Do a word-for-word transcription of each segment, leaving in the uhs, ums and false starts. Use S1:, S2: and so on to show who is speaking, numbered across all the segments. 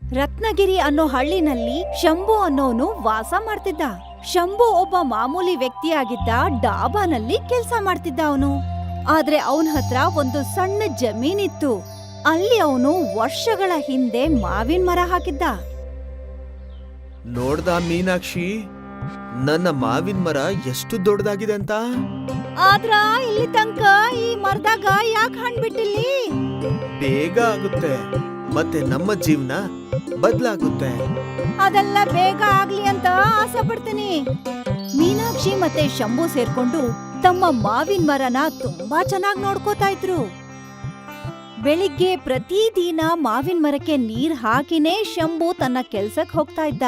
S1: ರತ್ನಗಿರಿ ಅನ್ನೋ ಹಳ್ಳಿನಲ್ಲಿ ಶಂಭು ಅನ್ನೋನು ವಾಸ ಮಾಡ್ತಿದ್ದ. ಶಂಭು ಒಬ್ಬ ಮಾಮೂಲಿ ವ್ಯಕ್ತಿಯಾಗಿದ್ದ. ಡಾಬಾನಲ್ಲಿ ಕೆಲ್ಸ ಮಾಡ್ತಿದ್ದ ಅವನು. ಆದ್ರೆ ಅವನ ಹತ್ರ ಒಂದು ಸಣ್ಣ ಜಮೀನಿತ್ತು. ಅಲ್ಲಿ ಅವನು ವರ್ಷಗಳ ಹಿಂದೆ ಮಾವಿನ ಮರ ಹಾಕಿದ್ದ.
S2: ನೋಡ್ದ ಮೀನಾಕ್ಷಿ, ನನ್ನ ಮಾವಿನ ಮರ ಎಷ್ಟು ದೊಡ್ಡದಾಗಿದೆ ಅಂತ.
S1: ಆದ್ರ ಇಲ್ಲಿ ತನಕ ಈ ಮರದಾಗ ಯಾಕೆ ಹಣ್ಣು ಬಿಟ್ಟಿಲ್ಲಿ?
S2: ಬೇಗ ಆಗುತ್ತೆ, ಮತ್ತೆ ನಮ್ಮ ಜೀವನ ಬದಲಾಗುತ್ತೆ.
S1: ಅದೆಲ್ಲ ಬೇಗ ಆಗ್ಲಿ ಅಂತ ಆಸೆ ಪಡ್ತೀನಿ. ಮೀನಾಕ್ಷಿ ಮತ್ತೆ ಶಂಭು ಸೇರ್ಕೊಂಡು ತಮ್ಮ ಮಾವಿನ ಮರನ ತುಂಬಾ ಚೆನ್ನಾಗಿ ನೋಡ್ಕೋತಾ ಇದ್ರು. ಬೆಳಿಗ್ಗೆ ಪ್ರತಿದಿನ ಮಾವಿನ ಮರಕ್ಕೆ ನೀರ್ ಹಾಕಿನೇ ಶಂಭು ತನ್ನ ಕೆಲ್ಸಕ್ ಹೋಗ್ತಾ ಇದ್ದ.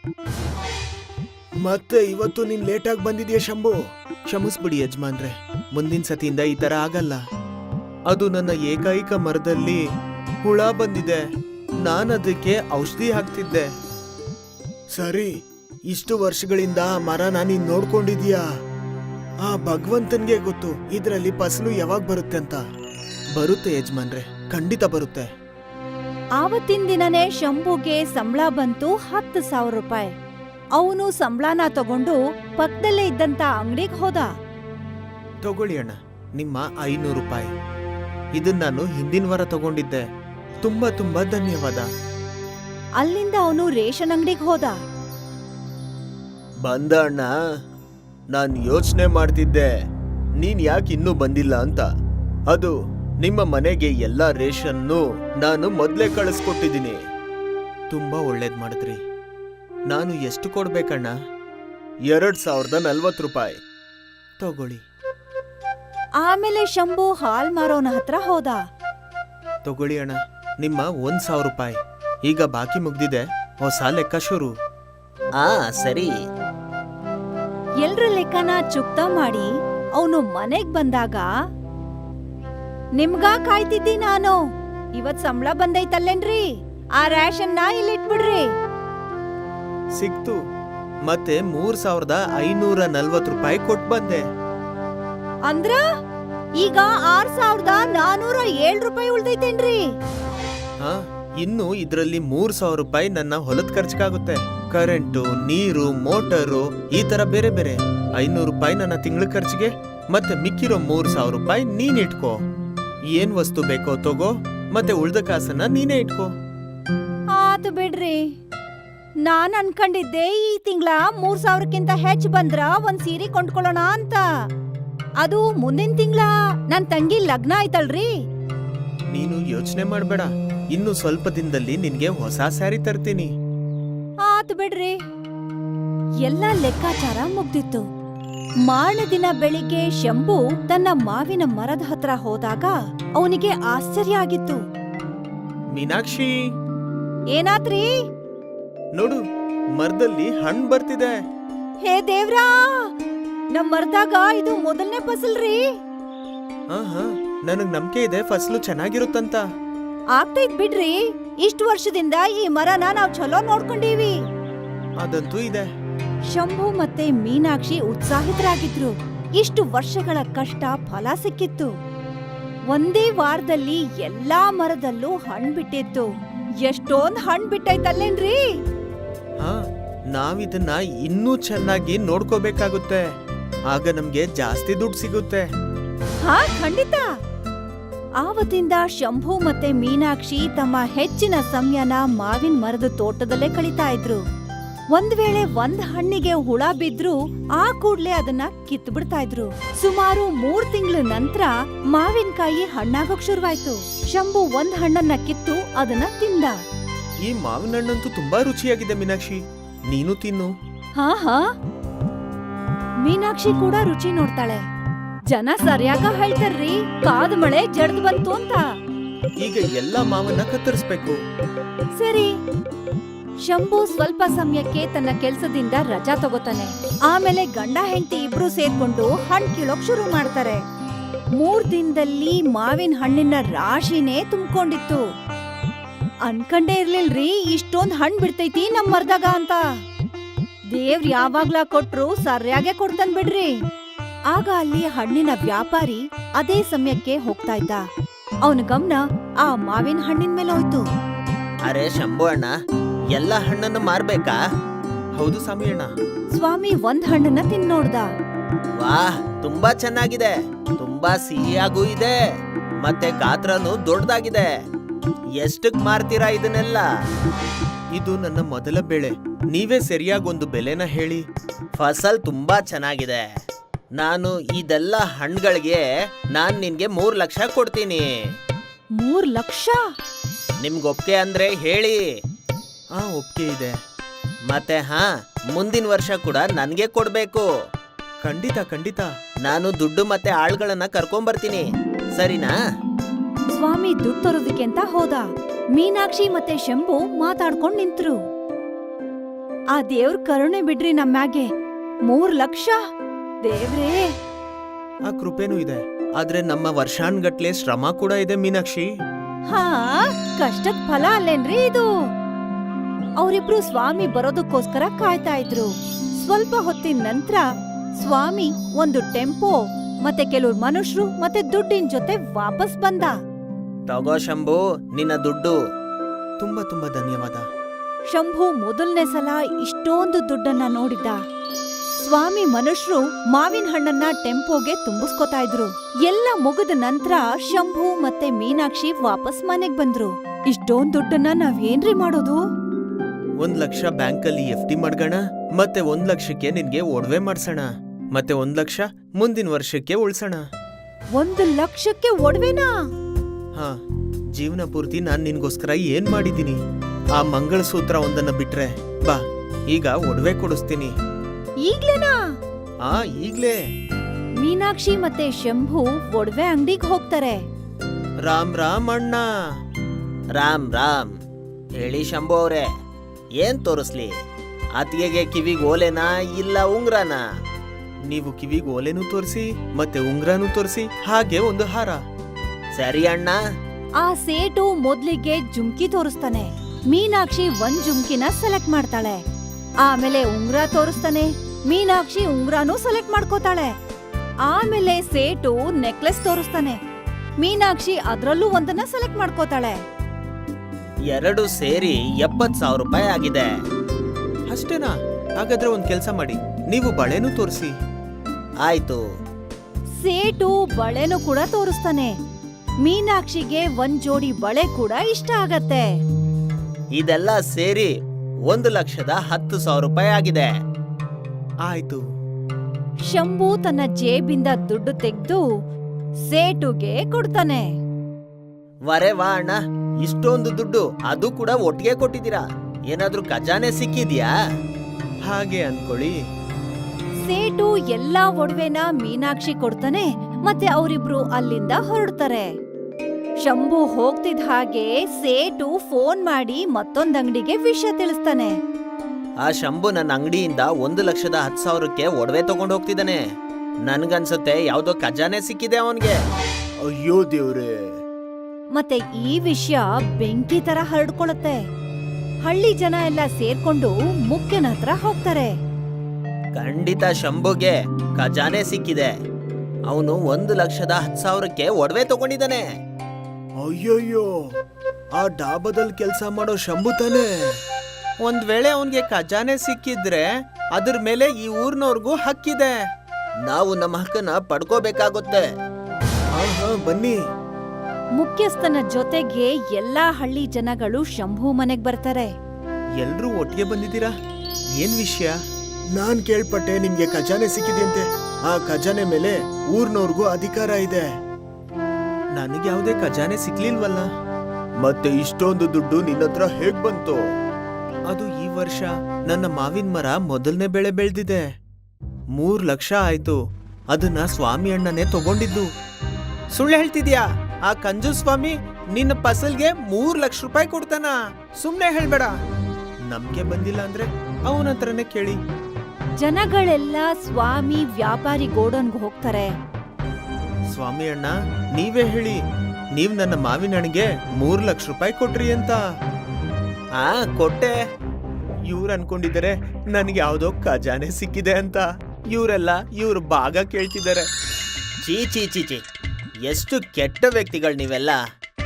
S2: ಮತ್ತೆ ಇವತ್ತು ನೀನ್ ಲೇಟಾಗಿ ಬಂದಿದ್ಯಾ ಶಂಭು. ಕ್ಷಮಿಸ್ಬಿಡಿ ಯಜಮಾನ್ರೆ, ಮುಂದಿನ ಸತಿಯಿಂದ ಈ ತರ ಆಗಲ್ಲ. ಅದು ನನ್ನ ಏಕೈಕ ಮರದಲ್ಲಿ ಹುಳ ಬಂದಿದೆ, ನಾನದಕ್ಕೆ ಔಷಧಿ ಹಾಕ್ತಿದ್ದೆ. ಸರಿ, ಇಷ್ಟು ವರ್ಷಗಳಿಂದ ಆ ಮರನ ನೀನ್ ನೋಡ್ಕೊಂಡಿದ್ಯಾ? ಆ ಭಗವಂತನ್ಗೆ ಗೊತ್ತು ಇದ್ರಲ್ಲಿ ಫಸಲು ಯಾವಾಗ ಬರುತ್ತೆ ಅಂತ. ಬರುತ್ತೆ ಯಜಮಾನ್ರೆ, ಖಂಡಿತ ಬರುತ್ತೆ.
S1: ಆವತ್ತಿನ ದಿನನೇ ಶಂಭುಗೆ ಸಂಬಳ ಬಂತು ಹತ್ತು ಸಾವಿರ ರೂಪಾಯಿ. ಅವನು ಸಂಬಳನ ತಗೊಂಡು ಪಕ್ಕದಲ್ಲೇ ಇದ್ದಂತ ಅಂಗಡಿಗೆ ಹೋದ.
S2: ತಗೊಳ್ಳಿ ಅಣ್ಣ, ನಿಮ್ಮ ಐನೂರು ರೂಪಾಯಿ. ಇದನ್ನ ನಾನು ಹಿಂದಿನ ವಾರ ತಗೊಂಡಿದ್ದೆ. ತುಂಬಾ ತುಂಬಾ ಧನ್ಯವಾದ.
S1: ಅಲ್ಲಿಂದ ಅವನು ರೇಷನ್ ಅಂಗಡಿಗೆ ಹೋದ.
S2: ಬಂದ ಅಣ್ಣ, ನಾನ್ ಯೋಚನೆ ಮಾಡ್ತಿದ್ದೆ ನೀನ್ ಯಾಕೆ ಇನ್ನೂ ಬಂದಿಲ್ಲ ಅಂತ. ಅದು ನಿಮ್ಮ ಮನೆಗೆ ಎಲ್ಲಾ ರೇಷನ್ನು ನಾನು ಮೊದ್ಲೇ ಕಳಿಸ್ಕೊಟ್ಟಿದ್ದೀನಿ. ತುಂಬಾ ಒಳ್ಳೇದ್ ಮಾಡಿದ್ರಿ. ನಾನು ಎಷ್ಟು ಕೊಡ್ಬೇಕಣ್ಣ? ಎರಡ್ ಸಾವಿರದ ನಲ್ವತ್ತು ರೂಪಾಯಿ ತಗೊಳ್ಳಿ.
S1: ಆಮೇಲೆ ಶಂಭು ಹಾಲ್ ಮಾರೋನ ಹತ್ರ ಹೋದ.
S2: ತಗೊಳ್ಳಿ ಅಣ್ಣ, ನಿಮ್ಮ ಒಂದ್ ಸಾವಿರ ರೂಪಾಯಿ. ಈಗ ಬಾಕಿ ಮುಗ್ದಿದೆ, ಹೊಸ ಲೆಕ್ಕ ಶುರು. ಆ ಸರಿ.
S1: ಎಲ್ರ ಲೆಕ್ಕನ ಚುಕ್ತಾ ಮಾಡಿ ಅವನು ಮನೆಗ್ ಬಂದಾಗ, ನಿಮ್ಗ ಕಾಯ್ತಿದ್ದಿ ನಾನು. ಇವತ್ ಸಂಬಳ ಬಂದೈತಲ್ಲೇನ್ರಿ? ಆ ರೇಷನ್ನ ಇಲ್ಲಿಟ್ಬಿಡ್ರಿ.
S2: ಸಿಕ್ತು. ಮತ್ತೆ ಮೂರ್ ಸಾವಿರದ ಐನೂರ ನಲ್ವತ್ ರೂಪಾಯಿ ಕೊಟ್ ಬಂದೆ.
S1: ಅಂದ್ರ ಈಗ ಆರ್ ಸಾವಿರದ ನಾನೂರ ಏಳ್ ರೂಪಾಯಿ ಉಳ್ದೈತೇನ್ರಿ?
S2: ಹಾ, ಇನ್ನು ಇದ್ರಲ್ಲಿ ಮೂರ್ ಸಾವಿರ ರೂಪಾಯಿ ನನ್ನ ಹೊಲದ ಖರ್ಚಿಗಾಗುತ್ತೆ. ಕರೆಂಟು, ನೀರು, ಮೋಟರು, ಈ ತರ ಬೇರೆ ಬೇರೆ. ಐನೂರು ರೂಪಾಯಿ ನನ್ನ ತಿಂಗಳ ಖರ್ಚಿಗೆ, ಮತ್ತೆ ಮಿಕ್ಕಿರೋ ಮೂರ್ ಸಾವಿರ ರೂಪಾಯಿ ನೀನ್ ಇಟ್ಕೋ. ಏನ್ ವಸ್ತು ಬೇಕೋ ತಗೋ, ಮತ್ತೆ ಉಳ್ದ ಕಾಸನ್ನ ನೀನೇ ಇಟ್ಕೋ.
S1: ಆತು ಬಿಡ್ರಿ. ನಾನ್ ಅನ್ಕೊಂಡಿದ್ದೆ ಈ ತಿಂಗಳ ಮೂರ್ ಸಾವಿರಕ್ಕಿಂತ ಹೆಚ್ಚ್ ಬಂದ್ರ ಒಂದ್ ಸೀರೆ ಕೊಂಡ್ಕೊಳ್ಳೋಣ ಅಂತ. ಅದು ಮುಂದಿನ ತಿಂಗಳ ನನ್ ತಂಗಿ ಲಗ್ನ ಆಯ್ತಲ್ರಿ.
S2: ನೀನು ಯೋಚನೆ ಮಾಡ್ಬೇಡ, ಇನ್ನು ಸ್ವಲ್ಪ ದಿನದಲ್ಲಿ ನಿನ್ಗೆ ಹೊಸ ಸ್ಯಾರಿ ತರ್ತೀನಿ.
S1: ಆತು ಬಿಡ್ರಿ. ಎಲ್ಲ ಲೆಕ್ಕಾಚಾರ ಮುಗ್ದಿತ್ತು. ಮಾರನೇ ದಿನ ಬೆಳಿಗ್ಗೆ ಶಂಭು ತನ್ನ ಮಾವಿನ ಮರದ ಹತ್ರ ಹೋದಾಗ ಅವನಿಗೆ ಆಶ್ಚರ್ಯ ಆಗಿತ್ತು.
S2: ಮೀನಾಕ್ಷಿ,
S1: ಏನಾತ್ರಿ?
S2: ನೋಡು, ಮರದಲ್ಲಿ ಹಣ್ಣು ಬರ್ತಿದೆ.
S1: ಹೇ ದೇವ್ರಾ, ನಮ್ ಮರದಾಗ ಇದು ಮೊದಲನೇ ಫಸಲ್ರಿ.
S2: ಹಾ ಹಾ, ನನಗ್ ನಂಬಿಕೆ ಇದೆ ಫಸಲು ಚೆನ್ನಾಗಿರುತ್ತಂತ.
S1: ಆಗ್ತೈತ್ ಬಿಡ್ರಿ. ಇಷ್ಟು ವರ್ಷದಿಂದ ಈ ಮರನ ನಾವ್ ಚಲೋ ನೋಡ್ಕೊಂಡೀವಿ.
S2: ಅದಂತೂ ಇದೆ.
S1: ಶಂಭು ಮತ್ತೆ ಮೀನಾಕ್ಷಿ ಉತ್ಸಾಹಿತರಾಗಿದ್ರು. ಇಷ್ಟು ವರ್ಷಗಳ ಕಷ್ಟ ಫಲ ಸಿಕ್ಕಿತ್ತು. ಒಂದೇ ವಾರದಲ್ಲಿ ಎಲ್ಲಾ ಮರದಲ್ಲೂ ಹಣ್ಣು ಬಿಟ್ಟಿತ್ತು. ಎಷ್ಟೊಂದ್ ಹಣ್ಣು ಬಿಟ್ಟೈತಲ್ಲೇನ್ರಿ?
S2: ಹಾ, ನಾವಿದನ್ನ ಇನ್ನೂ ಚೆನ್ನಾಗಿ ನೋಡ್ಕೋಬೇಕಾಗುತ್ತೆ. ಆಗ ನಮ್ಗೆ ಜಾಸ್ತಿ ದುಡ್ಡು ಸಿಗುತ್ತೆ.
S1: ಹಾ, ಖಂಡಿತ. ಆವತ್ತಿಂದ ಶಂಭು ಮತ್ತೆ ಮೀನಾಕ್ಷಿ ತಮ್ಮ ಹೆಚ್ಚಿನ ಸಮಯನ ಮಾವಿನ ಮರದ ತೋಟದಲ್ಲೇ ಕಳೀತಾ ಇದ್ರು. ಒಂದ್ ವೇಳೆ ಒಂದ್ ಹಣ್ಣಿಗೆ ಹುಳ ಬಿದ್ರು ಆ ಕೂಡ್ಲೆ ಅದನ್ನ ಕಿತ್ತು ಬಿಡ್ತಾ ಇದ್ರು. ಸುಮಾರು ಮೂರ್ ತಿಂಗಳ ನಂತರ ಮಾವಿನಕಾಯಿ ಹಣ್ಣಾಗೋಕ್ ಶುರುವಾಯ್ತು. ಶಂಭು ಒಂದ್ ಹಣ್ಣನ್ನ ಕಿತ್ತು ಅದನ್ನ ತಿಂದ.
S2: ಈ ಮಾವಿನ ಹಣ್ಣಂತೂ ತುಂಬಾ ರುಚಿಯಾಗಿದೆ ಮೀನಾಕ್ಷಿ, ನೀನು ತಿನ್ನು.
S1: ಹಾ ಹಾ, ಮೀನಾಕ್ಷಿ ಕೂಡ ರುಚಿ ನೋಡ್ತಾಳೆ. ಜನ ಸರಿಯಾಗ ಹೇಳ್ತಾರ್ರಿ, ಕಾದ ಮಳೆ ಜಡ್ದ್ ಬಂತು ಅಂತ.
S2: ಈಗ ಎಲ್ಲಾ ಮಾವನ್ನ ಕತ್ತರಿಸ್ಬೇಕು.
S1: ಸರಿ. ಶಂಭು ಸ್ವಲ್ಪ ಸಮಯಕ್ಕೆ ತನ್ನ ಕೆಲ್ಸದಿಂದ ರಜಾ ತಗೋತಾನೆ. ಆಮೇಲೆ ಗಂಡ ಹೆಂಡತಿ ಇಬ್ರು ಸೇರ್ಕೊಂಡು ಹಣ್ಣು ಕೀಳೋಕ್ ಶುರು ಮಾಡ್ತಾರೆ. ಮೂರ್ ದಿನದಲ್ಲಿ ಮಾವಿನ ಹಣ್ಣಿನ ರಾಶಿನೇ ತುಂಬಿಕೊಂಡಿತ್ತು. ಅನ್ಕಂಡೇ ಇರ್ಲಿಲ್ರಿ ಇಷ್ಟೊಂದ್ ಹಣ್ಣು ಬಿಡ್ತೈತಿ ನಮ್ ಮರ್ದಾಗ ಅಂತ. ದೇವ್ರ ಯಾವಾಗ್ಲಾ ಕೊಟ್ರು ಸರಿಯಾಗೆ ಕೊಡ್ತಾನ್ ಬಿಡ್ರಿ. ಆಗ ಅಲ್ಲಿ ಹಣ್ಣಿನ ವ್ಯಾಪಾರಿ ಅದೇ ಸಮಯಕ್ಕೆ ಹೋಗ್ತಾ ಇದ್ದ. ಅವನ ಗಮನ ಆ ಮಾವಿನ ಹಣ್ಣಿನ ಮೇಲೆ ಹೋಯ್ತು.
S3: ಅರೆ ಶಂಭು ಅಣ್ಣ, ಎಲ್ಲ ಹಣ್ಣನ್ನು ಮಾರ್ಬೇಕಾ?
S2: ಹೌದು ಸ್ವಾಮಿ ಅಣ್ಣ.
S1: ಸ್ವಾಮಿ ಒಂದ್ ಹಣ್ಣನ್ನ ತಿಂದ್ ನೋಡ್ದ.
S3: ವಾಹ್, ತುಂಬಾ ಚೆನ್ನಾಗಿದೆ. ತುಂಬಾ ಸಿಹಿಯಾಗೂ ಇದೆ, ಮತ್ತೆ ಗಾತ್ರನೂ ದೊಡ್ಡದಾಗಿದೆ. ಎಷ್ಟಕ್ ಮಾರ್ತೀರಾ ಇದನ್ನೆಲ್ಲ?
S2: ಇದು ನನ್ನ ಮೊದಲ ಬೆಳೆ. ನೀವೇ ಸರಿಯಾಗಿ ಒಂದು ಬೆಲೆನ ಹೇಳಿ.
S3: ಫಸಲ್ ತುಂಬಾ ಚೆನ್ನಾಗಿದೆ. ನಾನು ಇದೆಲ್ಲ ಹಣ್ಣುಗಳಿಗೆ ನಾನ್ ನಿನ್ಗೆ ಮೂರ್ ಲಕ್ಷ ಕೊಡ್ತೀನಿ.
S1: ಮೂರ್ ಲಕ್ಷ?
S3: ನಿಮ್ಗೊಪ್ಕೆ ಅಂದ್ರೆ ಹೇಳಿ.
S2: ಆ ಒಪ್ಪಿಗೆ ಇದೆ.
S3: ಮತ್ತೆ ಹಾ, ಮುಂದಿನ ವರ್ಷ ಕೂಡ ನನ್ಗೆ ಕೊಡ್ಬೇಕು.
S2: ಖಂಡಿತ ಖಂಡಿತ.
S3: ನಾನು ದುಡ್ಡು ಮತ್ತೆ ಆಳ್ಗಳನ್ನ ಕರ್ಕೊಂಬರ್ತೀನಿ, ಸರಿನಾ?
S1: ಸ್ವಾಮಿ ದುಡ್ಡು ತರೋದಕ್ಕೆ ಅಂತ ಹೋದ. ಮೀನಾಕ್ಷಿ ಮತ್ತೆ ಶಂಭು ಮಾತಾಡ್ಕೊಂಡ್ ನಿಂತ್ರು. ಆ ದೇವ್ರ ಕರುಣೆ ಬಿಡ್ರಿ ನಮ್ಮ್ಯಾಗೆ. ಮೂರ್ ಲಕ್ಷ ದೇವ್ರೇ.
S2: ಆ ಕೃಪೆನೂ ಇದೆ, ಆದ್ರೆ ನಮ್ಮ ವರ್ಷಾನ್ಗಟ್ಲೆ ಶ್ರಮ ಕೂಡ ಇದೆ ಮೀನಾಕ್ಷಿ.
S1: ಹಾ, ಕಷ್ಟದ ಫಲ ಅಲ್ಲೇನ್ರಿ ಇದು. ಅವರಿಬ್ರು ಸ್ವಾಮಿ ಬರೋದಕ್ಕೋಸ್ಕರ ಕಾಯ್ತಾ ಇದ್ರು. ಸ್ವಲ್ಪ ಹೊತ್ತಿನ ನಂತರ ಸ್ವಾಮಿ ಒಂದು ಟೆಂಪೋ ಮತ್ತೆ ಕೆಲವ್ರು ಮನುಷ್ಯರು ಮತ್ತೆ ದುಡ್ಡಿನ ಜೊತೆ ವಾಪಸ್ ಬಂದ.
S3: ತಗೋ ಶಂಭು, ನಿನ್ನ ದುಡ್ಡು.
S2: ತುಂಬಾ ತುಂಬಾ ಧನ್ಯವಾದ.
S1: ಶಂಭು ಮೊದಲನೇ ಸಲ ಇಷ್ಟೊಂದು ದುಡ್ಡನ್ನ ನೋಡಿದ್ದ. ಸ್ವಾಮಿ ಮನುಷ್ಯರು ಮಾವಿನ ಹಣ್ಣನ್ನ ಟೆಂಪೋಗೆ ತುಂಬಿಸ್ಕೊತಾ ಇದ್ರು. ಎಲ್ಲ ಮುಗಿದ ನಂತರ ಶಂಭು ಮತ್ತೆ ಮೀನಾಕ್ಷಿ ವಾಪಸ್ ಮನೆಗ್ ಬಂದ್ರು. ಇಷ್ಟೊಂದ್ ದುಡ್ಡನ್ನ ನಾವೇನ್ರಿ ಮಾಡೋದು?
S2: ಒಂದ್ ಲಕ್ಷ ಬ್ಯಾಂಕಲ್ಲಿ ಎಫ್ ಡಿ ಮಾಡ್ಗೋಣ, ಮತ್ತೆ ಒಂದ್ ಲಕ್ಷಕ್ಕೆ ನಿನ್ಗೆ ಒಡವೆ ಮಾಡ್ಸೋಣ, ಮತ್ತೆ ಒಂದ್ ಲಕ್ಷ ಮುಂದಿನ ವರ್ಷಕ್ಕೆ ಉಳ್ಸೋಣ.
S1: ಒಂದು ಲಕ್ಷಕ್ಕೆ ಒಡವೆನಾ?
S2: ಹಾ, ಜೀವನ ಪೂರ್ತಿ ನಾನ್ ನಿನ್ಗೋಸ್ಕರ ಏನ್ ಮಾಡಿದೀನಿ. ಆ ಮಂಗಳಸೂತ್ರ ಒಂದನ್ನ ಬಿಟ್ರೆ ಬಾ, ಈಗ ಒಡವೆ ಕೊಡಿಸ್ತೀನಿ.
S1: ಈಗ್ಲೇನಾ?
S2: ಆ ಈಗ್ಲೇ.
S1: ಮೀನಾಕ್ಷಿ ಮತ್ತೆ ಶಂಭು ಒಡವೆ ಅಂಗಡಿಗೆ ಹೋಗ್ತಾರೆ.
S2: ರಾಮ್ ರಾಮ್ ಅಣ್ಣ.
S3: ರಾಮ್ ರಾಮ್. ಹೇಳಿ ಶಂಭು ಅವ್ರೆ, ಏನ್ ತೋರಿಸ್ಲಿ? ಅತ್ತಿಗೆಗೆ ಕಿವಿಗ್ ಓಲೆನಾ ಇಲ್ಲ ಉಂಗ್ರನ?
S2: ನೀವು ಕಿವಿಗ್ ಓಲೆನೂ ತೋರಿಸಿ ಮತ್ತೆ ಉಂಗ್ರಾನು ತೋರಿಸಿ, ಹಾಗೆ ಒಂದು ಹಾರ.
S3: ಸರಿ ಅಣ್ಣ.
S1: ಆ ಸೇಟು ಮೊದ್ಲಿಗೆ ಜುಮ್ಕಿ ತೋರಿಸ್ತಾನೆ. ಮೀನಾಕ್ಷಿ ಒಂದ್ ಜುಮ್ಕಿನ ಸೆಲೆಕ್ಟ್ ಮಾಡ್ತಾಳೆ. ಆಮೇಲೆ ಉಂಗ್ರ ತೋರಿಸ್ತಾನೆ. ಮೀನಾಕ್ಷಿ ಉಂಗ್ರಾನು ಸೆಲೆಕ್ಟ್ ಮಾಡ್ಕೋತಾಳೆ. ಆಮೇಲೆ ಸೇಟು ನೆಕ್ಲೆಸ್ ತೋರಿಸ್ತಾನೆ. ಮೀನಾಕ್ಷಿ ಅದ್ರಲ್ಲೂ ಒಂದನ್ನ ಸೆಲೆಕ್ಟ್ ಮಾಡ್ಕೋತಾಳೆ.
S3: ಎರಡು ಸೇರಿ ಎಪ್ಪತ್ ಸಾವಿರ ರೂಪಾಯಿ ಆಗಿದೆ.
S2: ಅಷ್ಟೇನಾ? ಹಾಗಾದ್ರೆ ಒಂದ್ ಕೆಲ್ಸ ಮಾಡಿ, ನೀವು ಬಳೆನೂ ತೋರಿಸಿ.
S3: ಆಯ್ತು.
S1: ಸೇಟು ಬಳೆನೂ ಕೂಡ ತೋರಿಸ್ತಾನೆ. ಮೀನಾಕ್ಷಿಗೆ ಒಂದ್ ಜೋಡಿ ಬಳೆ ಕೂಡ ಇಷ್ಟ ಆಗತ್ತೆ.
S3: ಇದೆಲ್ಲ ಸೇರಿ ಒಂದು ಲಕ್ಷದ ಹತ್ತು ಸಾವಿರ ರೂಪಾಯಿ ಆಗಿದೆ.
S2: ಆಯ್ತು.
S1: ಶಂಭು ತನ್ನ ಜೇಬಿಂದ ದುಡ್ಡು ತೆಗೆದು ಸೇಟುಗೆ ಕೊಡ್ತಾನೆ.
S3: ವರೆ ವಾ ಅಣ್ಣ, ಇಷ್ಟೊಂದು ದುಡ್ಡು ಅದು ಕೂಡ ಒಟ್ಟಿಗೆ ಕೊಟ್ಟಿದ್ದೀರಾ. ಏನಾದ್ರೂ ಖಜಾನೆ ಸಿಕ್ಕಿದ್ಯಾ?
S2: ಹಾಗೆ ಅನ್ಕೊಳ್ಳಿ.
S1: ಸೇಟು ಎಲ್ಲಾ ಒಡವೆನ ಮೀನಾಕ್ಷಿ ಕೊಡ್ತಾನೆ. ಮತ್ತೆ ಅವರಿಬ್ರು ಅಲ್ಲಿಂದ ಹೊರಡ್ತಾರೆ. ಶಂಭು ಹೋಗ್ತಿದ್ ಹಾಗೆ ಸೇಟು ಫೋನ್ ಮಾಡಿ ಮತ್ತೊಂದ್ ಅಂಗಡಿಗೆ ವಿಷಯ ತಿಳಿಸ್ತಾನೆ.
S3: ಆ ಶಂಭು ನನ್ನ ಅಂಗಡಿಯಿಂದ ಒಂದು ಲಕ್ಷದ ಹತ್ತು ಸಾವಿರಕ್ಕೆ ಒಡವೆ ತಗೊಂಡು ಹೋಗ್ತಿದ್ದಾನೆ. ನನ್ಗನ್ಸುತ್ತೆ ಯಾವ್ದೋ ಖಜಾನೆ ಸಿಕ್ಕಿದೆ ಅವನ್ಗೆ.
S2: ಅಯ್ಯೋ ದೇವ್ರೆ.
S1: ಮತ್ತೆ ಈ ವಿಷಯ ಬೆಂಕಿ ತರ ಹರಡ್ಕೊಳತ್ತೆ. ಹಳ್ಳಿ ಜನ ಎಲ್ಲ ಸೇರ್ಕೊಂಡು ಮುಖ್ಯನ ಹತ್ರ ಹೋಗ್ತಾರೆ.
S3: ಖಂಡಿತ ಶಂಭುಗೆ ಖಜಾನೆ ಸಿಕ್ಕಿದೆ. ಅವನು ಒಂದು ಲಕ್ಷದ ಹತ್ತು ಸಾವಿರಕ್ಕೆ ಒಡವೆ ತಗೊಂಡಿದ್ದಾನೆ.
S2: ಅಯ್ಯಯ್ಯೋ, ಆ ಡಾಬಾದಲ್ಲಿ ಕೆಲಸ ಮಾಡೋ ಶಂಭು ತಾನೆ. ಒಂದ್ ವೇಳೆ ಅವನ್ಗೆ ಖಜಾನೆ ಸಿಕ್ಕಿದ್ರೆ ಅದ್ರ ಮೇಲೆ ಈ ಊರ್ನವ್ರಿಗೂ ಹಕ್ಕಿದೆ.
S3: ನಾವು ನಮ್ಮ ಹಕ್ಕನ್ನ ಪಡ್ಕೋಬೇಕಾಗುತ್ತೆ.
S2: ಹಾ ಹಾ ಬನ್ನಿ.
S1: ಮುಖ್ಯಸ್ಥನ ಜೊತೆಗೆ ಎಲ್ಲಾ ಹಳ್ಳಿ ಜನಗಳು ಶಂಭು ಮನೆಗ್ ಬರ್ತಾರೆ.
S2: ಎಲ್ರೂ ಒಟ್ಟಿಗೆ ಬಂದಿದ್ದೀರಾ? ಏನ್ ವಿಷಯ? ನಾನ್ ಕೇಳ್ಪಟ್ಟೆ ನಿಮ್ಗೆ ಖಜಾನೆ ಸಿಕ್ಕಿದೆಯಂತೆ. ಆ ಖಜಾನೆ ಮೇಲೆ ಊರ್ನವ್ರಿಗೂ ಅಧಿಕಾರ ಇದೆ. ನನಗೆ ಯಾವುದೇ ಖಜಾನೆ ಸಿಕ್ಲಿಲ್ವಲ್ಲ. ಮತ್ತೆ ಇಷ್ಟೊಂದು ದುಡ್ಡು ನಿನ್ನತ್ರ ಹೇಗ್ ಬಂತು? ಅದು ಈ ವರ್ಷ ನನ್ನ ಮಾವಿನ ಮರ ಮೊದಲನೇ ಬೆಳೆ ಬೆಳೆದಿದೆ. ಮೂರ್ ಲಕ್ಷ ಆಯ್ತು. ಅದನ್ನ ಸ್ವಾಮಿ ಅಣ್ಣನೇ ತಗೊಂಡಿದ್ದು. ಸುಳ್ಳು ಹೇಳ್ತಿದ್ಯಾ? ಆ ಕಂಜು ಸ್ವಾಮಿ ನಿನ್ನ ಫಸಲ್ಗೆ ಮೂರ್ ಲಕ್ಷ ರೂಪಾಯಿ ಕೊಡ್ತಾನ? ಸುಮ್ನೆ ಹೇಳ್ಬೇಡ. ನಮ್ಗೆ ಬಂದಿಲ್ಲ ಅಂದ್ರೆ ಅವನ ಹತ್ರನೇ ಕೇಳಿ.
S1: ಜನಗಳೆಲ್ಲ ಸ್ವಾಮಿ ವ್ಯಾಪಾರಿ ಗೋಡನ್ಗೆ ಹೋಗ್ತಾರೆ.
S2: ಸ್ವಾಮಿ ಅಣ್ಣ, ನೀವೇ ಹೇಳಿ, ನೀವ್ ನನ್ನ ಮಾವಿನ ಹಣ್ಣಿಗೆ ಮೂರ್ ಲಕ್ಷ ರೂಪಾಯಿ ಕೊಟ್ರಿ ಅಂತ.
S3: ಆ ಕೊಟ್ಟೆ.
S2: ಇವ್ರು ಅನ್ಕೊಂಡಿದ್ದಾರೆ ನನ್ಗೆ ಯಾವ್ದೋ ಖಜಾನೆ ಸಿಕ್ಕಿದೆ ಅಂತ. ಇವರೆಲ್ಲ ಇವ್ರ ಭಾಗ ಕೇಳ್ತಿದ್ದಾರೆ.
S3: ಚೀ ಚೀ ಚೀ ಚೀ, ಎಷ್ಟು ಕೆಟ್ಟ ವ್ಯಕ್ತಿಗಳು ನೀವೆಲ್ಲ.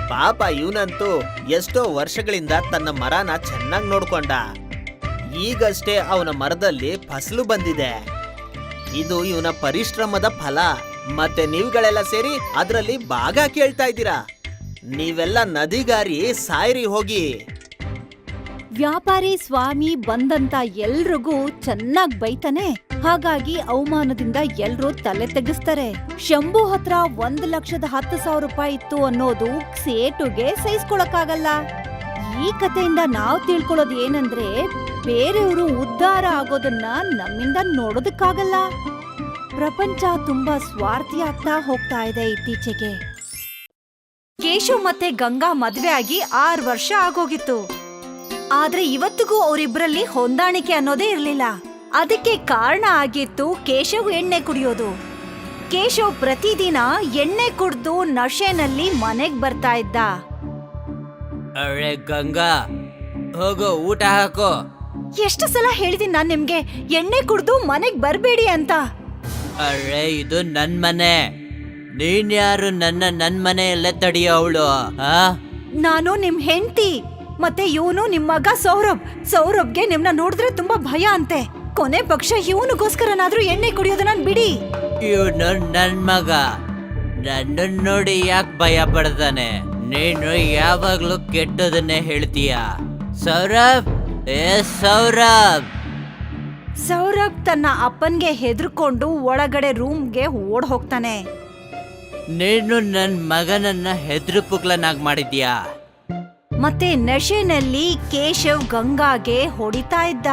S3: ಪಾಪ ಇವನಂತೂ ಎಷ್ಟೋ ವರ್ಷಗಳಿಂದ ತನ್ನ ಮರನ ಚೆನ್ನಾಗಿ ನೋಡ್ಕೊಂಡ. ಈಗಷ್ಟೇ ಅವನ ಮರದಲ್ಲಿ ಫಸಲು ಬಂದಿದೆ. ಇದು ಇವನ ಪರಿಶ್ರಮದ ಫಲ. ಮತ್ತೆ ನೀವುಗಳೆಲ್ಲ ಸೇರಿ ಅದರಲ್ಲಿ ಭಾಗ ಕೇಳ್ತಾ ಇದ್ದೀರಾ. ನೀವೆಲ್ಲ ನದಿಗಾರಿ ಸಾಯ್ರಿ ಹೋಗಿ.
S1: ವ್ಯಾಪಾರಿ ಸ್ವಾಮಿ ಬಂದಂತ ಎಲ್ರಿಗೂ ಚೆನ್ನಾಗ್ ಬೈತಾನೆ. ಹಾಗಾಗಿ ಅವಮಾನದಿಂದ ಎಲ್ರೂ ತಲೆ ತೆಗಿಸ್ತಾರೆ. ಶಂಭು ಹತ್ರ ಒಂದ್ ಲಕ್ಷದ ಹತ್ತು ಸಾವಿರ ರೂಪಾಯಿ ಇತ್ತು ಅನ್ನೋದು ಸೇಟುಗೆ ಸಹಿಸ್ಕೊಳಕ್ಕಾಗಲ್ಲ. ಈ ಕಥೆಯಿಂದ ನಾವ್ ತಿಳ್ಕೊಳ್ಳೋದು ಏನಂದ್ರೆ, ಬೇರೆಯವರು ಉದ್ಧಾರ ಆಗೋದನ್ನ ನಮ್ಮಿಂದ ನೋಡೋದಕ್ಕಾಗಲ್ಲ. ಪ್ರಪಂಚ ತುಂಬಾ ಸ್ವಾರ್ಥಿ ಆಗ್ತಾ ಹೋಗ್ತಾ ಇದೆ ಇತ್ತೀಚೆಗೆ. ಕೇಶವ್ ಮತ್ತೆ ಗಂಗಾ ಮದ್ವೆ ಆಗಿ ಆರ್ ವರ್ಷ ಆಗೋಗಿತ್ತು. ಆದ್ರೆ ಇವತ್ತಿಗೂ ಅವರಿಬ್ರಲ್ಲಿ ಹೊಂದಾಣಿಕೆ ಅನ್ನೋದೇ ಇರ್ಲಿಲ್ಲ. ಅದಕ್ಕೆ ಕಾರಣ ಆಗಿತ್ತು ಕೇಶವ್ ಎಣ್ಣೆ ಕುಡಿಯೋದು. ಕೇಶವ್ ಪ್ರತಿದಿನ ಎಣ್ಣೆ ಕುಡ್ದು ನಶೆನಲ್ಲಿ ಮನೆಗ್ ಬರ್ತಾ ಇದ್ದ.
S4: ಅರೆ ಗಂಗಾ, ಹೋಗೋ ಊಟ ಹಾಕೋ.
S1: ಎಷ್ಟು ಸಲ ಹೇಳಿದೀನಿ ನಾನ್ ನಿಮ್ಗೆ ಎಣ್ಣೆ ಕುಡ್ದು ಮನೆಗ್ ಬರ್ಬೇಡಿ ಅಂತ.
S4: ಅರೆ ಇದು ನನ್ ಮನೆ, ನೀನ್ ಯಾರು ನನ್ನ ನನ್ ಮನೆಯಲ್ಲೇ ತಡಿಯೋವಳು? ಆ
S1: ನಾನು ನಿಮ್ ಹೆಂಡತಿ, ಮತ್ತೆ ಇವನು ನಿಮ್ ಮಗ ಸೌರಭ್. ಸೌರಭ್ಗೆ ನಿಮ್ನ ನೋಡಿದ್ರೆ ತುಂಬಾ ಭಯ ಅಂತೆ. ಕೊನೆ ಪಕ್ಷ ಇವನಿಗೋಸ್ಕರನಾದ್ರೂ ಎಣ್ಣೆ ಕುಡಿಯೋದನ್ನ ಬಿಡಿ.
S4: ಇವನು ನನ್ ಮಗ, ನನ್ನ ನೋಡಿ ಯಾಕೆ ಭಯ ಪಡ್ತಾನೆ? ನೀನು ಯಾವಾಗ್ಲೂ ಕೆಟ್ಟದನ್ನೇ ಹೇಳ್ತೀಯ. ಸೌರಭ್, ಏ ಸೌರಭ್.
S1: ಸೌರಭ್ ತನ್ನ ಅಪ್ಪನ್ಗೆ ಹೆದರ್ಕೊಂಡು ಒಳಗಡೆ ರೂಮ್ಗೆ ಓಡ್ ಹೋಗ್ತಾನೆ.
S4: ನೀನು ನನ್ ಮಗನನ್ನ ಹೆದ್ರು ಪುಕ್ಲನಾಗ್ ಮಾಡಿದ್ಯಾ?
S1: ಮತ್ತೆ ನಶೆನಲ್ಲಿ ಕೇಶವ್ ಗಂಗಾಗೆ ಹೊಡಿತಾ ಇದ್ದ.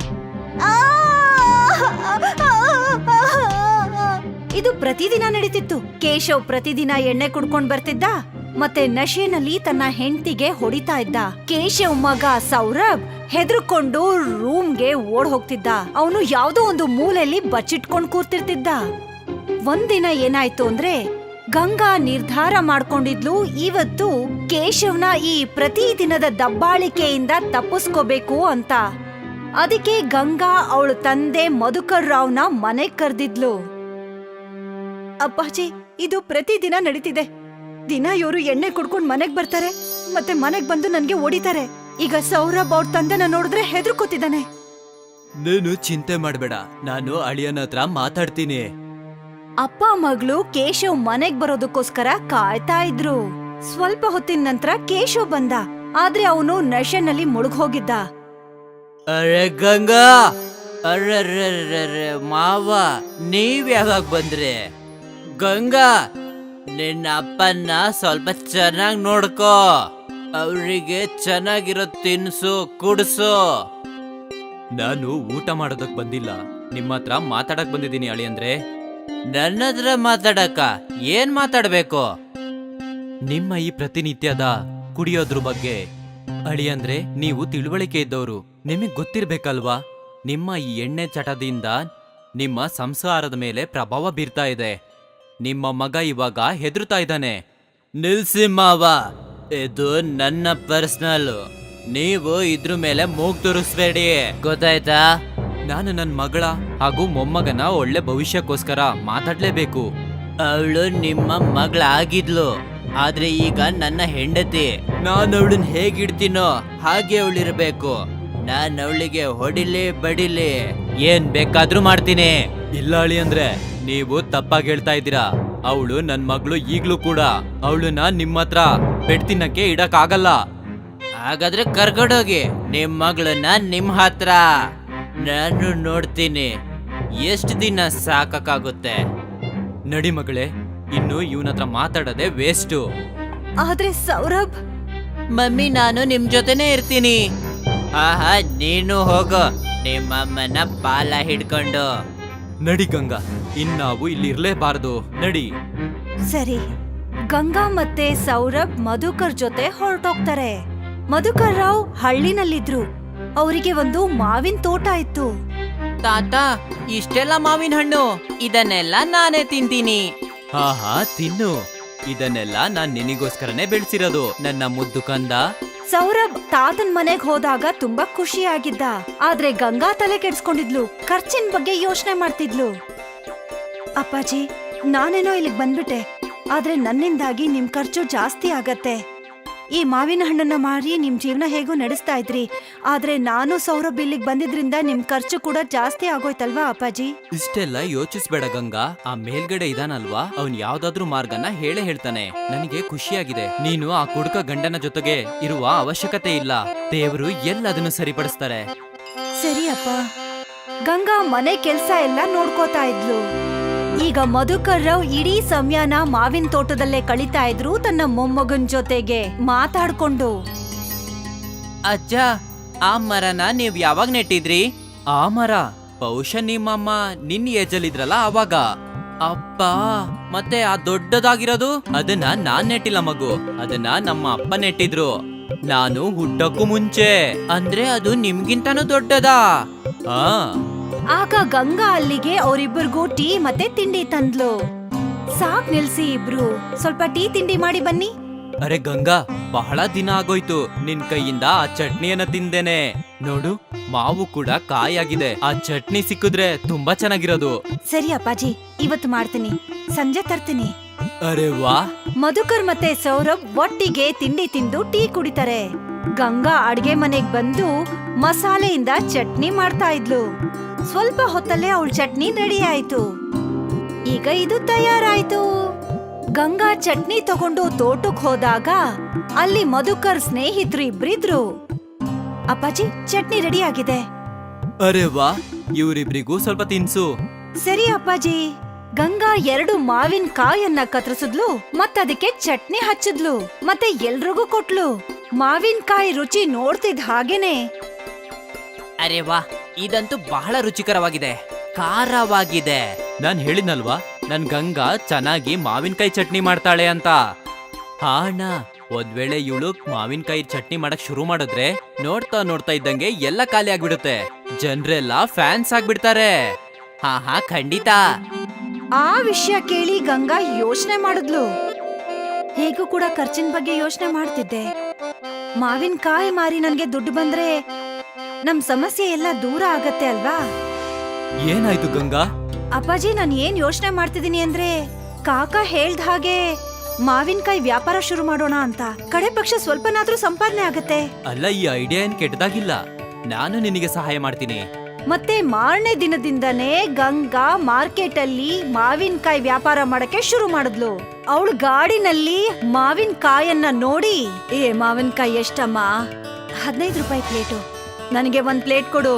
S1: ಇದು ಪ್ರತಿದಿನ ನಡೀತಿತ್ತು. ಕೇಶವ್ ಪ್ರತಿದಿನ ಎಣ್ಣೆ ಕುಡ್ಕೊಂಡ್ ಬರ್ತಿದ್ದ, ಮತ್ತೆ ನಶೆನಲ್ಲಿ ತನ್ನ ಹೆಂಡತಿಗೆ ಹೊಡಿತಾ ಇದ್ದ. ಕೇಶವ್ ಮಗ ಸೌರಭ್ ಹೆದರ್ಕೊಂಡು ರೂಮ್ಗೆ ಓಡ್ ಹೋಗ್ತಿದ್ದ. ಅವನು ಯಾವ್ದೋ ಒಂದು ಮೂಲೆಯಲ್ಲಿ ಬಚ್ಚಿಟ್ಕೊಂಡ್ ಕೂರ್ತಿರ್ತಿದ್ದ. ಒಂದಿನ ಏನಾಯ್ತು ಅಂದ್ರೆ, ಗಂಗಾ ನಿರ್ಧಾರ ಮಾಡ್ಕೊಂಡಿದ್ಲು ಇವತ್ತು ಕೇಶವ್ನ ಈ ಪ್ರತಿದಿನದ ದಬ್ಬಾಳಿಕೆಯಿಂದ ತಪ್ಪಿಸ್ಕೋಬೇಕು ಅಂತ. ಅದಕ್ಕೆ ಗಂಗಾ ಅವಳ ತಂದೆ ಮಧುಕರ್ ರಾವ್ನ ಮನೆಗ್ ಕರ್ದಿದ್ಲು. ಅಪ್ಪಾಜಿ, ಇದು ಪ್ರತಿದಿನ ನಡೀತಿದೆ. ದಿನ ಇವರು ಎಣ್ಣೆ ಕುಡ್ಕೊಂಡ್ ಮನೆಗ್ ಬರ್ತಾರೆ, ಮತ್ತೆ ಮನೆಗ್ ಬಂದು ನನ್ಗೆ ಹೊಡಿತಾರೆ. ಈಗ ಸೌರಭ್ ಅವ್ರ ತಂದೆನ ನೋಡಿದ್ರೆ ಹೆದರ್ಕೋತಿದ್ದಾನೆ.
S4: ನೀನು ಚಿಂತೆ ಮಾಡ್ಬೇಡ, ನಾನು ಅಳಿಯನ ಹತ್ರ ಮಾತಾಡ್ತೀನಿ.
S1: ಅಪ್ಪ ಮಗಳು ಕೇಶವ್ ಮನೆಗ್ ಬರೋದಕ್ಕೋಸ್ಕರ ಕಾಯ್ತಾ ಇದ್ರು. ಸ್ವಲ್ಪ ಹೊತ್ತಿನ ನಂತರ ಕೇಶವ್ ಬಂದ, ಆದ್ರೆ ಅವನು ನಶೆನಲ್ಲಿ ಮುಳುಗ್ ಹೋಗಿದ್ದ.
S4: ಅರೆ ಗಂಗಾ, ಅರ್ರರ್ರರ್ರರ್ರೆ ಮಾವ, ನೀವ್ ಯಾವಾಗ ಬಂದ್ರಿ? ಗಂಗಾ, ನಿನ್ನ ಅಪ್ಪನ್ನ ಸ್ವಲ್ಪ ಚೆನ್ನಾಗ್ ನೋಡ್ಕೋ. ಅವ್ರಿಗೆ ಚೆನ್ನಾಗಿರೋ ತಿನ್ಸು, ಕುಡ್ಸು. ನಾನು ಊಟ ಮಾಡೋದಕ್ ಬಂದಿಲ್ಲ, ನಿಮ್ಮ ಹತ್ರ ಮಾತಾಡಕ್ ಬಂದಿದ್ದೀನಿ ಅಳಿಯಂದ್ರೆ. ನನ್ನ ಹತ್ರ ಮಾತಾಡಕ ಏನ್ ಮಾತಾಡ್ಬೇಕು? ನಿಮ್ಮ ಈ ಪ್ರತಿನಿತ್ಯದ ಕುಡಿಯೋದ್ರ ಬಗ್ಗೆ ಅಳಿಯಂದ್ರೆ, ನೀವು ತಿಳುವಳಿಕೆ ಇದ್ದವರು, ನಿಮಗ್ ಗೊತ್ತಿರ್ಬೇಕಲ್ವಾ? ನಿಮ್ಮ ಈ ಎಣ್ಣೆ ಚಟದಿಂದ ನಿಮ್ಮ ಸಂಸಾರದ ಮೇಲೆ ಪ್ರಭಾವ ಬೀರ್ತಾ ಇದೆ. ನಿಮ್ಮ ಮಗ ಇವಾಗ ಹೆದರ್ತಾ ಇದ್ದಾನೆ. ನಿಲ್ಸಿ ಮಾವ, ಇದು ನನ್ನ ಪರ್ಸನಲ್. ನೀವು ಇದ್ರ ಮೇಲೆ ಮೂಗ್ ತುರಿಸ್ಬೇಡಿ, ಗೊತ್ತಾಯ್ತಾ? ನಾನು ನನ್ನ ಮಗಳ ಹಾಗೂ ಮೊಮ್ಮಗನ ಒಳ್ಳೆ ಭವಿಷ್ಯಕ್ಕೋಸ್ಕರ ಮಾತಾಡ್ಲೇಬೇಕು. ಅವಳು ನಿಮ್ಮ ಮಗಳಾಗಿದ್ಲು, ಆದ್ರೆ ಈಗ ನನ್ನ ಹೆಂಡತಿ. ನಾನು ಅವಳನ್ನ ಹೇಗಿಡ್ತೀನೋ ಹಾಗೆ ಅವಳಿರ್ಬೇಕು. ನಾನು ಅವಳಿಗೆ ಹೊಡಿಲಿ ಬಡಿಲಿ ಏನ್ ಬೇಕಾದ್ರೂ ಮಾಡ್ತೀನಿ. ಇಲ್ಲ ಅಳಿ ಅಂದ್ರೆ ನೀವು ತಪ್ಪಾಗಿ ಹೇಳ್ತಾ ಇದ್ದೀರಾ. ಅವಳು ನನ್ ಮಗಳು ಈಗ್ಲೂ ಕೂಡ. ಅವಳನ್ನ ನಿಮ್ಮ ಹತ್ರ ಬೆಡ್ತಿನಕ್ಕೆ ಇಡಕ್ ಆಗಲ್ಲ. ಹಾಗಾದ್ರೆ ಕರ್ಕೊಂಡೋಗಿ ನಿಮ್ ಮಗಳನ್ನ ನಿಮ್ ಹತ್ರ. ನಾನು ನೋಡ್ತೀನಿ ಎಷ್ಟು ದಿನ ಸಾಕಾಗುತ್ತೆ. ನಡಿ ಮಗಳೇ, ಇನ್ನು ಇವನ ಹತ್ರ ಮಾತಾಡೋದೆ ವೇಸ್ಟು.
S1: ಆದ್ರೆ ಸೌರಭ್,
S4: ಮಮ್ಮಿ ನಾನು ನಿಮ್ ಜೊತೆನೆ ಇರ್ತೀನಿ. ಆಹಾ, ನೀನು ಹೋಗೋ ನಿಮ್ಮಮ್ಮನ ಬಾಲ ಹಿಡ್ಕೊಂಡು. ನಡಿ ಗಂಗಾ, ಇನ್ನಾವು ಇಲ್ಲಿ ಇರ್ಲೇಬಾರ್ದು, ನಡಿ.
S1: ಸರಿ. ಗಂಗಾ ಮತ್ತೆ ಸೌರಭ್ ಮಧುಕರ್ ಜೊತೆ ಹೊರಟೋಗ್ತಾರೆ. ಮಧುಕರ್ ರಾವ್ ಹಳ್ಳಿನಲ್ಲಿದ್ರು. ಅವರಿಗೆ ಒಂದು ಮಾವಿನ ತೋಟ ಇತ್ತು.
S4: ತಾತ, ಇಷ್ಟೆಲ್ಲ ಮಾವಿನ ಹಣ್ಣು, ಇದನ್ನೆಲ್ಲ ನಾನೇ ತಿಂತೀನಿ. ಹಾ ಹಾ ತಿನ್ನು, ಇದನ್ನೆಲ್ಲ ನಾನ್ ನಿನಗೋಸ್ಕರನೇ ಬೆಳೆಸಿರೋದು ನನ್ನ ಮುದ್ದು ಕಂದ.
S1: ಸೌರಭ್ ತಾತನ್ ಮನೆಗ್ ಹೋದಾಗ ತುಂಬಾ ಖುಷಿಯಾಗಿದ್ದ. ಆದ್ರೆ ಗಂಗಾ ತಲೆ ಕೆಡ್ಸ್ಕೊಂಡಿದ್ಲು, ಖರ್ಚಿನ ಬಗ್ಗೆ ಯೋಚನೆ ಮಾಡ್ತಿದ್ಲು. ಅಪ್ಪಾಜಿ, ನಾನೇನೋ ಇಲ್ಲಿಗ್ ಬಂದ್ಬಿಟ್ಟೆ, ಆದ್ರೆ ನನ್ನಿಂದಾಗಿ ನಿಮ್ ಖರ್ಚು ಜಾಸ್ತಿ ಆಗತ್ತೆ. ಈ ಮಾವಿನ ಹಣ್ಣನ್ನ ಮಾರಿ ನಿಮ್ ಜೀವನ ಹೇಗೂ ನಡೆಸ್ತಾ ಇದ್ರಿ. ಆದ್ರೆ ನಾನು ಸೌರಭ್ ಇಲ್ಲಿಗ್ ಬಂದಿದ್ರಿಂದ ನಿಮ್ ಖರ್ಚು ಕೂಡ ಜಾಸ್ತಿ ಆಗೋಯ್ತಲ್ವಾ ಅಪ್ಪಾಜಿ?
S4: ಇಷ್ಟೆಲ್ಲ ಯೋಚಿಸ್ಬೇಡ ಗಂಗಾ. ಆ ಮೇಲ್ಗಡೆ ಇದಾನಲ್ವಾ, ಅವ್ನ್ ಯಾವ್ದಾದ್ರೂ ಮಾರ್ಗನ ಹೇಳೇ ಹೇಳ್ತಾನೆ. ನನಗೆ ಖುಷಿಯಾಗಿದೆ. ನೀನು ಆ ಕುಡುಕ ಗಂಡನ ಜೊತೆಗೆ ಇರುವ ಅವಶ್ಯಕತೆ ಇಲ್ಲ. ದೇವರು ಎಲ್ಲದನ್ನು ಸರಿಪಡಿಸ್ತಾರೆ.
S1: ಸರಿ ಅಪ್ಪ. ಗಂಗಾ ಮನೆ ಕೆಲ್ಸ ಎಲ್ಲ ನೋಡ್ಕೋತಾ ಇದ್ಲು. ಈಗ ಮಧುಕರ್ ರಾವ್ ಇಡೀ ಸಮಯನ ಮಾವಿನ ತೋಟದಲ್ಲೇ ಕಳೀತಾ ಇದ್ರು, ತನ್ನ ಮೊಮ್ಮಗನ್ ಜೊತೆಗೆ ಮಾತಾಡ್ಕೊಂಡು.
S4: ಅಜ್ಜ, ಆ ಮರನ ನೀವ್ ಯಾವಾಗ ನೆಟ್ಟಿದ್ರಿ? ಆ ಮರ ಬಹುಶಃ ನಿಮ್ಮಮ್ಮ ನಿನ್ ಏಜಲ್ಲಿದ್ರಲ್ಲ ಅವಾಗ. ಅಪ್ಪ, ಮತ್ತೆ ಆ ದೊಡ್ಡದಾಗಿರೋದು ಅದನ್ನ ನಾನ್ ನೆಟ್ಟಿಲ್ಲ ಮಗು, ಅದನ್ನ ನಮ್ಮ ಅಪ್ಪ ನೆಟ್ಟಿದ್ರು. ನಾನು ಹುಟ್ಟಕ್ಕೂ ಮುಂಚೆ. ಅಂದ್ರೆ ಅದು ನಿಮ್ಗಿಂತನೂ ದೊಡ್ಡದಾ? ಆ
S1: ಆಗ ಗಂಗಾ ಅಲ್ಲಿಗೆ ಅವರಿಬ್ಬರಿಗೂ ಟೀ ಮತ್ತೆ ತಿಂಡಿ ತಂದ್ಲು. ಸಾಕ್ ನಿಲ್ಸಿ ಇಬ್ರು, ಸ್ವಲ್ಪ ಟೀ ತಿಂಡಿ ಮಾಡಿ ಬನ್ನಿ.
S4: ಅರೆ ಗಂಗಾ, ಬಹಳ ದಿನ ಆಗೋಯ್ತು ನಿನ್ ಕೈಯಿಂದ ಆ ಚಟ್ನಿಯನ್ನ ತಿಂದೇನೆ. ನೋಡು, ಮಾವು ಕೂಡ ಕಾಯಾಗಿದೆ. ಆ ಚಟ್ನಿ ಸಿಕ್ಕಿದ್ರೆ ತುಂಬಾ ಚೆನ್ನಾಗಿರೋದು.
S1: ಸರಿ ಅಪ್ಪಾಜಿ, ಇವತ್ತು ಮಾಡ್ತೀನಿ, ಸಂಜೆ ತರ್ತೀನಿ.
S4: ಅರೆ ವಾ.
S1: ಮಧುಕರ್ ಮತ್ತೆ ಸೌರಭ್ ಒಟ್ಟಿಗೆ ತಿಂಡಿ ತಿಂದು ಟೀ ಕುಡಿತಾರೆ. ಗಂಗಾ ಅಡ್ಗೆ ಮನೆಗ್ ಬಂದು ಮಸಾಲೆಯಿಂದ ಚಟ್ನಿ ಮಾಡ್ತಾ ಇದ್ಲು. ಸ್ವಲ್ಪ ಹೊತ್ತಲ್ಲೇ ಅವಳ ಚಟ್ನಿ ರೆಡಿ ಆಯ್ತು. ಈಗ ಇದು ತಯಾರಾಯ್ತು. ಗಂಗಾ ಚಟ್ನಿ ತಗೊಂಡು ತೋಟಕ್ ಹೋದಾಗ ಅಲ್ಲಿ ಮಧುಕರ್ ಸ್ನೇಹಿತರು ಇಬ್ರಿದ್ರು. ಅಪ್ಪಾಜಿ, ಚಟ್ನಿ ರೆಡಿ ಆಗಿದೆ.
S4: ಅರೆ ವಾ, ಇವರಿಬ್ರಿಗೂ ಸ್ವಲ್ಪ ತಿನ್ಸು.
S1: ಸರಿ ಅಪ್ಪಾಜಿ. ಗಂಗಾ ಎರಡು ಮಾವಿನ ಕಾಯನ್ನ ಕತ್ತರಿಸಿದ್ಲು, ಮತ್ತದಕ್ಕೆ ಚಟ್ನಿ ಹಚ್ಚಿದ್ಲು, ಮತ್ತೆ ಎಲ್ರಿಗೂ ಕೊಟ್ಲು. ಮಾವಿನಕಾಯಿ ರುಚಿ ನೋಡ್ತಿದ್ ಹಾಗೇನೆ,
S4: ಅರೆ ವಾ, ಇದಂತೂ ಬಹಳ ರುಚಿಕರವಾಗಿದೆ, ಖಾರವಾಗಿದೆ. ನಾನ್ ಹೇಳಿದ್ನಲ್ವಾ, ನನ್ ಗಂಗಾ ಚೆನ್ನಾಗಿ ಮಾವಿನಕಾಯಿ ಚಟ್ನಿ ಮಾಡ್ತಾಳೆ ಅಂತ. ಹಾ ಅಣ್ಣ, ಒಂದ್ ವೇಳೆ ಇವಳು ಮಾವಿನಕಾಯಿ ಚಟ್ನಿ ಮಾಡಕ್ ಶುರು ಮಾಡಿದ್ರೆ ನೋಡ್ತಾ ನೋಡ್ತಾ ಇದ್ದಂಗೆ ಎಲ್ಲ ಖಾಲಿ ಆಗ್ಬಿಡುತ್ತೆ. ಜನ್ರೆಲ್ಲ ಫ್ಯಾನ್ಸ್ ಆಗ್ಬಿಡ್ತಾರೆ. ಹಾ ಹಾ ಖಂಡಿತ.
S1: ಆ ವಿಷಯ ಕೇಳಿ ಗಂಗಾ ಯೋಚನೆ ಮಾಡಿದ್ಲು. ಹೇಗೂ ಕೂಡ ಖರ್ಚಿನ ಬಗ್ಗೆ ಯೋಚನೆ ಮಾಡ್ತಿದ್ದೆ. ಮಾವಿನಕಾಯಿ ಮಾರಿ ನನ್ಗೆ ದುಡ್ಡು ಬಂದ್ರೆ ನಮ್ ಸಮಸ್ಯೆ ಎಲ್ಲ ದೂರ ಆಗತ್ತೆ ಅಲ್ವಾ?
S4: ಏನಾಯ್ತು ಗಂಗಾ?
S1: ಅಪ್ಪಾಜಿ, ನಾನ್ ಏನ್ ಯೋಚನೆ ಮಾಡ್ತಿದೀನಿ ಅಂದ್ರೆ, ಕಾಕ ಹೇಳ್ದ ಹಾಗೆ ಮಾವಿನಕಾಯಿ ವ್ಯಾಪಾರ ಶುರು ಮಾಡೋಣ ಅಂತ. ಕಡೆ ಪಕ್ಷ ಸ್ವಲ್ಪನಾದ್ರೂ ಸಂಪಾದನೆ ಆಗತ್ತೆ.
S4: ಅಲ್ಲ, ಈ ಐಡಿಯಾ ಏನ್ ಕೆಟ್ಟದಾಗಿಲ್ಲ. ನಾನು ನಿನಗೆ ಸಹಾಯ ಮಾಡ್ತೀನಿ.
S1: ಮತ್ತೆ ಮಾರನೇ ದಿನದಿಂದನೇ ಗಂಗಾ ಮಾರ್ಕೆಟ್ ಅಲ್ಲಿ ಮಾವಿನಕಾಯಿ ವ್ಯಾಪಾರ ಮಾಡಕ್ಕೆ ಶುರು ಮಾಡಿದ್ಲು. ಅವಳು ಗಾಡಿನಲ್ಲಿ ಮಾವಿನಕಾಯನ್ನ ನೋಡಿ, ಏ ಮಾವಿನಕಾಯಿ ಎಷ್ಟಮ್ಮ? ಹದಿನೈದು ರೂಪಾಯಿ ಪ್ಲೇಟು, ನನಗೆ ಒಂದ್ ಪ್ಲೇಟ್ ಕೊಡು.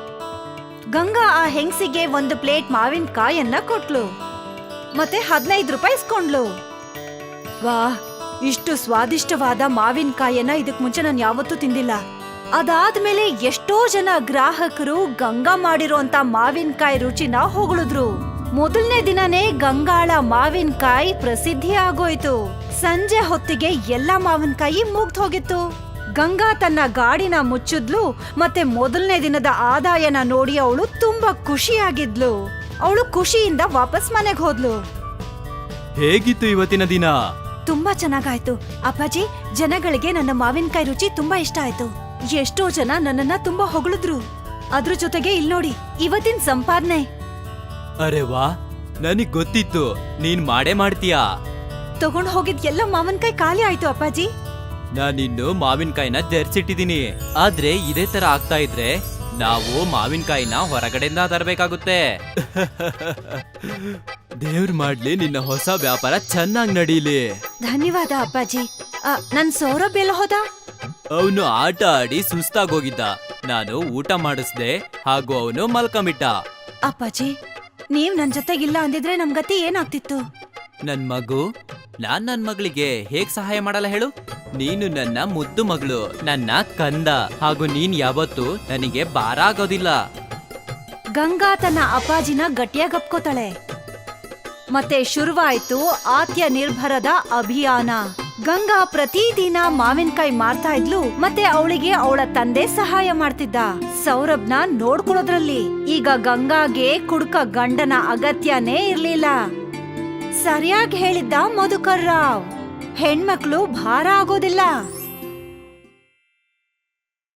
S1: ಗಂಗಾ ಆ ಹೆಂಗ್ಸಿಗೆ ಒಂದು ಪ್ಲೇಟ್ ಮಾವಿನಕಾಯನ್ನ ಕೊಟ್ಲು, ಮತ್ತೆ ಹದಿನೈದು ರೂಪಾಯಿ ಇಸ್ಕೊಂಡ್ಲು. ವಾ, ಇಷ್ಟು ಸ್ವಾದಿಷ್ಟವಾದ ಮಾವಿನಕಾಯನ್ನ ಇದಕ್ ಮುಂಚೆ ನಾನು ಯಾವತ್ತೂ ತಿಂದಿಲ್ಲ. ಅದಾದ್ಮೇಲೆ ಎಷ್ಟೋ ಜನ ಗ್ರಾಹಕರು ಗಂಗಾ ಮಾಡಿರೋಂತ ಮಾವಿನಕಾಯಿ ರುಚಿನ ಹೊಗಳಿದ್ರು. ಮೊದಲನೇ ದಿನನೇ ಗಂಗಾಳ ಮಾವಿನಕಾಯಿ ಪ್ರಸಿದ್ಧಿ ಆಗೋಯ್ತು. ಸಂಜೆ ಹೊತ್ತಿಗೆ ಎಲ್ಲ ಮಾವಿನಕಾಯಿ ಮುಗ್ದು ಹೋಗಿತ್ತು. ಗಂಗಾ ತನ್ನ ಗಾಡಿನ ಮುಚ್ಚಿದ್ಲು, ಮತ್ತೆ ಮೊದಲನೇ ದಿನದ ಆದಾಯನ ನೋಡಿ ಅವಳು ತುಂಬಾ ಖುಷಿಯಾಗಿದ್ಲು. ಅವಳು ಖುಷಿಯಿಂದ ವಾಪಸ್ ಮನೆಗೆ ಹೋದ್ಲು.
S4: ಹೇಗಿತ್ತು ಇವತ್ತಿನ ದಿನ?
S1: ತುಂಬಾ ಚೆನ್ನಾಗಾಯ್ತು ಅಪ್ಪಾಜಿ. ಜನಗಳಿಗೆ ನನ್ನ ಮಾವಿನಕಾಯಿ ರುಚಿ ತುಂಬಾ ಇಷ್ಟ ಆಯ್ತು. ಎಷ್ಟೋ ಜನ ನನ್ನನ್ನ ತುಂಬಾ ಹೊಗಳಿದ್ರು. ಅದ್ರ ಜೊತೆಗೆ ಇಲ್ ನೋಡಿ, ಇವತ್ತಿನ ಸಂಪಾದನೆ.
S4: ಅರೆ ವಾ, ನನಗ್ ಗೊತ್ತಿತ್ತು ನೀನ್ ಮಾಡೇ ಮಾಡ್ತೀಯಾ.
S1: ತಗೊಂಡ್ ಹೋಗಿದ್ ಎಲ್ಲ ಮಾವಿನಕಾಯಿ ಖಾಲಿ ಆಯ್ತು ಅಪ್ಪಾಜಿ.
S4: ನಾನಿನ್ನು ಮಾವಿನಕಾಯಿನ ಜರ್ಸಿಟ್ಟಿದೀನಿ. ಆದ್ರೆ ಇದೇ ತರ ಆಗ್ತಾ ಇದ್ರೆ ನಾವು ಮಾವಿನಕಾಯಿನ ಹೊರಗಡೆಯಿಂದ ತರಬೇಕಾಗುತ್ತೆ. ದೇವ್ರ ಮಾಡ್ಲಿ ನಿನ್ನ ಹೊಸ ವ್ಯಾಪಾರ ಚೆನ್ನಾಗ್ ನಡೀಲಿ.
S1: ಧನ್ಯವಾದ ಅಪ್ಪಾಜಿ. ಆ, ನನ್ ಸೌರಭ್ ಎಲ್ಲ ಹೋದ?
S4: ಅವನು ಆಟ ಆಡಿ ಸುಸ್ತಾಗೋಗಿದ್ದ. ನಾನು ಊಟ ಮಾಡಿಸ್ದೆ, ಹಾಗೂ ಅವನು ಮಲ್ಕೊಂಬಿಟ್ಟ.
S1: ಅಪ್ಪಾಜಿ, ನೀವ್ ನನ್ ಜೊತೆಗಿಲ್ಲ ಅಂದಿದ್ರೆ ನಮ್ ಗತಿ ಏನಾಗ್ತಿತ್ತು?
S4: ನನ್ ಮಗು, ನಾನ್ ನನ್ ಮಗಳಿಗೆ ಹೇಗ್ ಸಹಾಯ ಮಾಡಲ್ಲ ಹೇಳು? ನೀನು ನನ್ನ ಮುದ್ದು ಮಗಳು, ನನ್ನ ಕಂದ, ಹಾಗೂ ನೀನ್ ಯಾವತ್ತೂ ನನಗೆ ಭಾರ ಆಗೋದಿಲ್ಲ.
S1: ಗಂಗಾ ತನ್ನ ಅಪ್ಪಾಜಿನ ಗಟ್ಟಿಯಾಗಿ ಅಪ್ಕೋತಾಳೆ. ಮತ್ತೆ ಶುರುವಾಯ್ತು ಆತ್ಯ ನಿರ್ಭರದ ಅಭಿಯಾನ. ಗಂಗಾ ಪ್ರತಿದಿನ ಮಾವಿನಕಾಯಿ ಮಾರ್ತಾ ಇದ್ಲು, ಮತ್ತೆ ಅವಳಿಗೆ ಅವಳ ತಂದೆ ಸಹಾಯ ಮಾಡ್ತಿದ್ದ, ಸೌರಭ್ನ ನೋಡ್ಕೊಳ್ಳೋದ್ರಲ್ಲಿ. ಈಗ ಗಂಗಾಗೆ ಕುಡುಕ ಗಂಡನ ಅಗತ್ಯನೇ ಇರ್ಲಿಲ್ಲ. ಸರಿಯಾಗಿ ಹೇಳಿದ್ದ ಮಧುಕರ್ ರಾವ್, ಹೆಣ್ಮಕ್ಳು ಭಾರ ಆಗೋದಿಲ್ಲ.